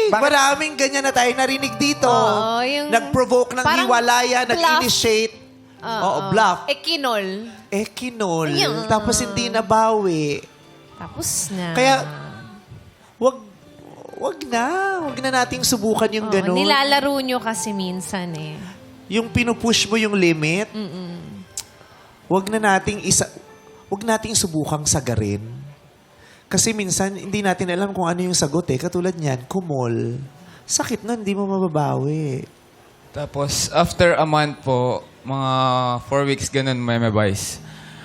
maraming ganyan na tayo narinig dito. Oo, yung- Nag-provoke ng parang hiwalaya, bluff. nag-initiate. Oo, bluff. Ekinol. Ekinol. Ayun. Tapos hindi nabawi. Tapos na. Kaya, wag na nating subukan yung ganun. Nilalaro nyo kasi minsan eh. Yung pinupush mo yung limit. Wag nating subukang sagarin. Kasi minsan, hindi natin alam kung ano yung sagot eh. Katulad niyan, kumol. Sakit na, hindi mo mababawi. Tapos, after a month po, mga 4 weeks ganun, may vice.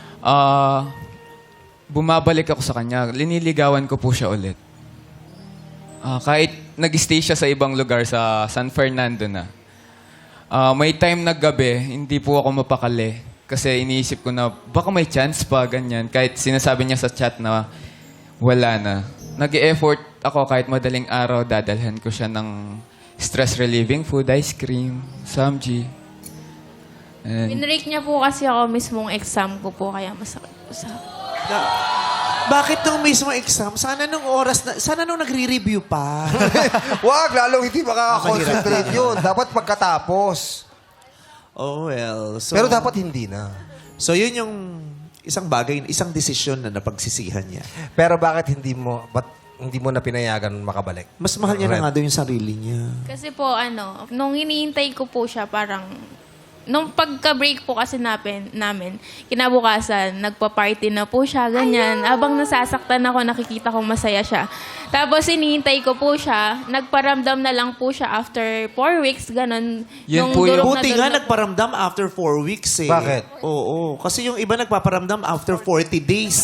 Bumabalik ako sa kanya. Liniligawan ko po siya ulit. Kahit nag-stay siya sa ibang lugar, sa San Fernando na. May time na gabi, hindi po ako mapakali. Kasi iniisip ko na, baka may chance pa, ganyan. Kahit sinasabi niya sa chat na wala na. Nag-e-effort ako kahit madaling araw, dadalhan ko siya ng stress-relieving food, ice cream, samji. Pinrake niya po kasi ako mismong exam ko po, kaya masakit po sa Bakit nung mismo exam? Sana nung nagre-review pa. Wag, lalong hindi makaka-concentrate yun. Dapat pagkatapos. Oh well. So, Pero dapat hindi na. So yun yung isang bagay, isang desisyon na napagsisihan niya. Pero bakit hindi mo na pinayagan makabalik? Mas mahal niya na nga daw yung sarili niya. Kasi po, nung hinihintay ko po siya, parang, nung pagka-break po kasi namin, kinabukasan, nagpa-party na po siya, ganyan. Habang nasasaktan ako, nakikita kong masaya siya. Tapos, hinihintay ko po siya, nagparamdam na lang po siya after 4 weeks, ganon. Yun Nung po yung- durog na Buti durog nga na po. nagparamdam after 4 weeks eh. Bakit? Oo. Kasi yung iba nagpaparamdam after 40 days.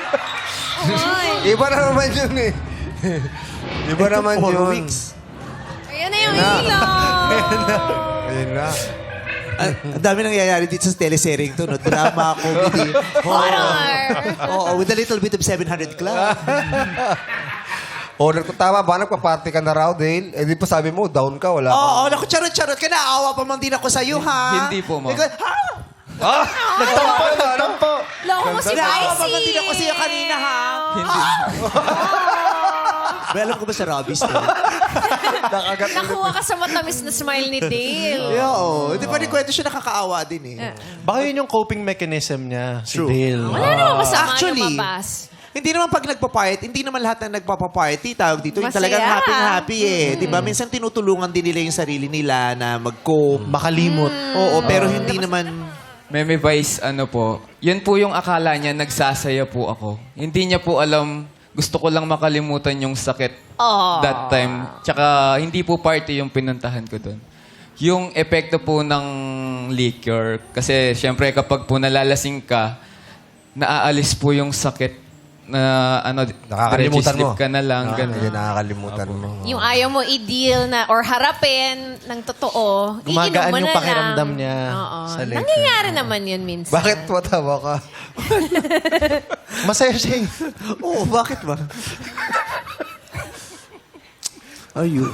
Iba na naman yun eh. Iba naman 4 yun. weeks. Ayan na yung ilaw. Ayun na. Ang dami nangyayari dito sa teleserye to, no? Drama, comedy, horror. Oo, with a little bit of 700 Club. Tama ba? Nagpa-party ka na raw, Dale? Eh, di pa sabi mo, down ka, wala ka. Oo, naku, charot-charot ka na. Awa pa man din ako sa'yo, ha? Hindi po, ma'am. Nagtampo! Loko mo si Naawa pa Vicey. man din ako sa'yo kanina, ha? Hindi. Well, alam ko ba sa Robby's to? Nakuha ka sa matamis na smile ni Dale. Oo. Hindi pa rin kwento siya nakakaawa din eh. Baka yun yung coping mechanism niya, si True. Dale. Wala naman masama Actually, lumabas. Hindi naman pag nagpa-party, hindi naman lahat na nagpapa-party, tawag dito, yung Masaya. talagang happy-happy eh. Di ba? Minsan tinutulungan din nila yung sarili nila na mag-cope. Makalimot. Oo, pero hindi naman... May vice, yun po yung akala niya, nagsasaya po ako. Hindi niya po alam, gusto ko lang makalimutan yung sakit that time. Tsaka hindi po party yung pinuntahan ko doon. Yung epekto po ng liquor, kasi syempre kapag po nalalasing ka, naaalis po yung sakit na Nakakalimutan mo. sleep ka na lang. ganun. Hindi nakakalimutan mo. Yung ayaw mo i-deal na or harapin ng totoo, Gumagaan iinom mo yung na pakiramdam lang. niya Oo. sa later. Nangyayari naman yun minsan. Bakit matawa ka? Masaya siya eh. Oo, bakit ba? Ayun.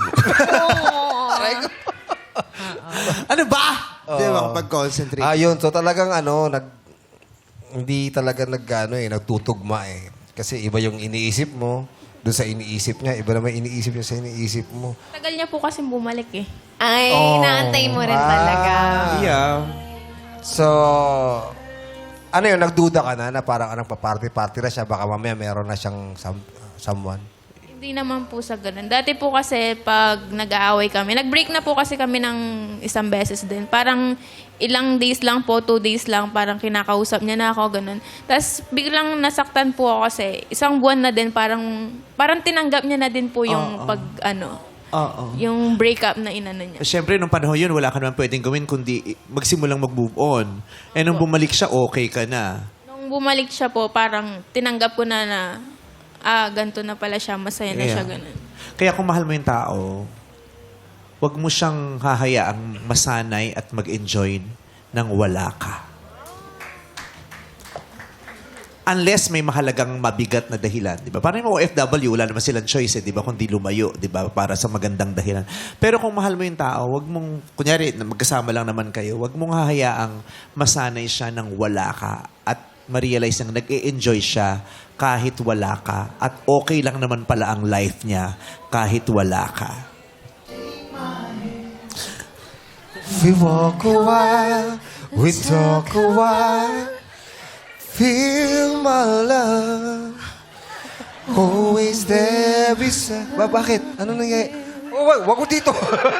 Ano ba? Di ba, pag-concentrate. Yun. So talagang hindi talaga nagtutugma eh. Kasi iba yung iniisip mo, doon sa iniisip niya, iba naman iniisip niya sa iniisip mo. Tagal niya po kasi bumalik eh. Ay, naantay mo rin talaga. Yeah. So, yun, nagduda ka na parang nagpa-party-party na siya, baka mamaya meron na siyang someone. Hindi naman po sa ganun. Dati po kasi pag nag-aaway kami, nag-break na po kasi kami ng isang beses din. Parang ilang days lang po, 2 days lang, parang kinakausap niya na ako, ganun. Tapos biglang nasaktan po ako kasi isang buwan na din, parang tinanggap niya na din po yung Oo. yung breakup na inano niya. Siyempre, nung panahon yun, wala ka naman pwedeng gawin kundi magsimulang mag-move on. Eh, nung bumalik siya, okay ka na. Nung bumalik siya po, parang tinanggap ko na ganito na pala siya, masaya na Yeah. siya, ganun. Kaya kung mahal mo yung tao, wag mo siyang hahayaang masanay at mag-enjoy nang wala ka. Unless may mahalagang mabigat na dahilan, di ba? Parang yung OFW, wala naman silang choice, di ba? Kundi lumayo, di ba? Para sa magandang dahilan. Pero kung mahal mo yung tao, wag mong, kunyari, magkasama lang naman kayo, wag mong hahayaang masanay siya nang wala ka at ma-realize na nag-e-enjoy siya kahit wala ka. At okay lang naman pala ang life niya kahit wala ka. We walk a while, we talk a while. Feel my love. Always there beside. Bakit? Ano nangyay? Oh, wag ko dito.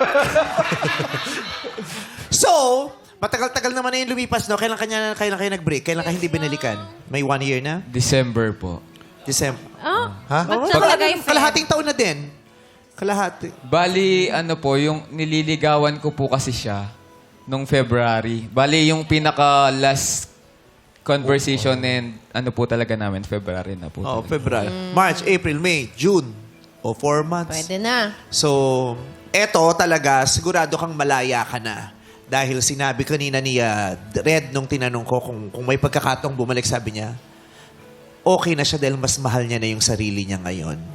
So, matagal-tagal naman na yung lumipas, no? Kailan kayo nag-break? Kailan kayo hindi binalikan? May 1 year na? December po. December. Oh, Ha? ba't nakalagay Feb? Kalahating taon na din. Kalahati. Bali, ano po, yung nililigawan ko po kasi siya nung February. Bali, yung pinaka-last conversation and ano po talaga namin, February na po. Oh, talaga. February. March, April, May, June. O 4 months. Pwede na. So, eto talaga, sigurado kang malaya ka na. Dahil sinabi kanina ni Red nung tinanong ko kung may pagkakataong bumalik, sabi niya, okay na siya dahil mas mahal niya na yung sarili niya ngayon.